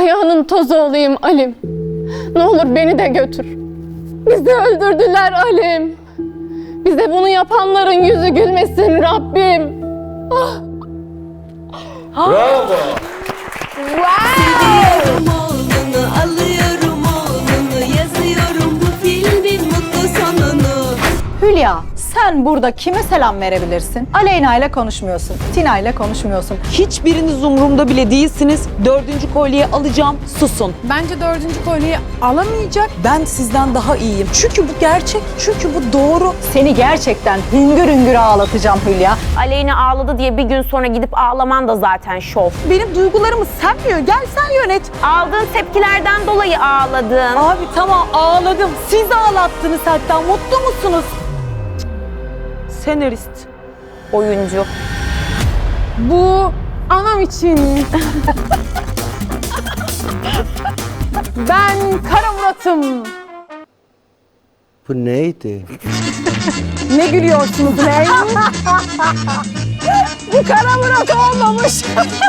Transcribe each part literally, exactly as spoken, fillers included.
Ayağının tozu olayım Alim. Ne olur beni de götür. Bizi öldürdüler Alim. Bize bunu yapanların yüzü gülmesin Rabbim. Ah. Bravo. Seviyorum oğlunu, alıyorum oğlunu, yazıyorum bu filmin mutlu sonunu. Hülya, sen burada kime selam verebilirsin? Aleyna ile konuşmuyorsun, Tina ile konuşmuyorsun. Hiçbiriniz umurumda bile değilsiniz. Dördüncü kolyeyi alacağım. Susun. Bence dördüncü kolyeyi alamayacak. Ben sizden daha iyiyim. Çünkü bu gerçek. Çünkü bu doğru. Seni gerçekten hüngür hüngür ağlatacağım Hülya. Aleyna ağladı diye bir gün sonra gidip ağlaman da zaten şov. Benim duygularımı sen mi? Gel sen yönet. Aldığın tepkilerden dolayı ağladın. Abi tamam ağladım. Siz ağlattınız hatta. Mutlu musunuz? Senarist. Oyuncu. Bu anam için. Ben Kara Murat'ım. Bu neydi? Ne gülüyorsunuz ne? Bu Kara Murat olmamış.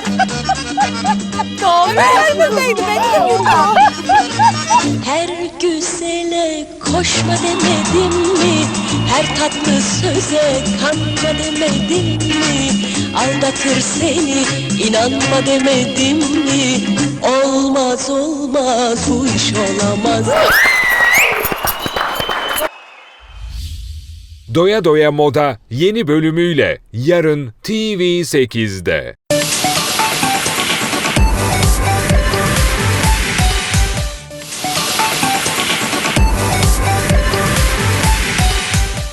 Neredeydi benim Her güzele koşma demedim mi? Her tatlı söze kanma demedim mi? Aldatır seni inanma demedim mi? Olmaz olmaz bu iş olamaz. Doya Doya Moda yeni bölümüyle yarın T V sekizde.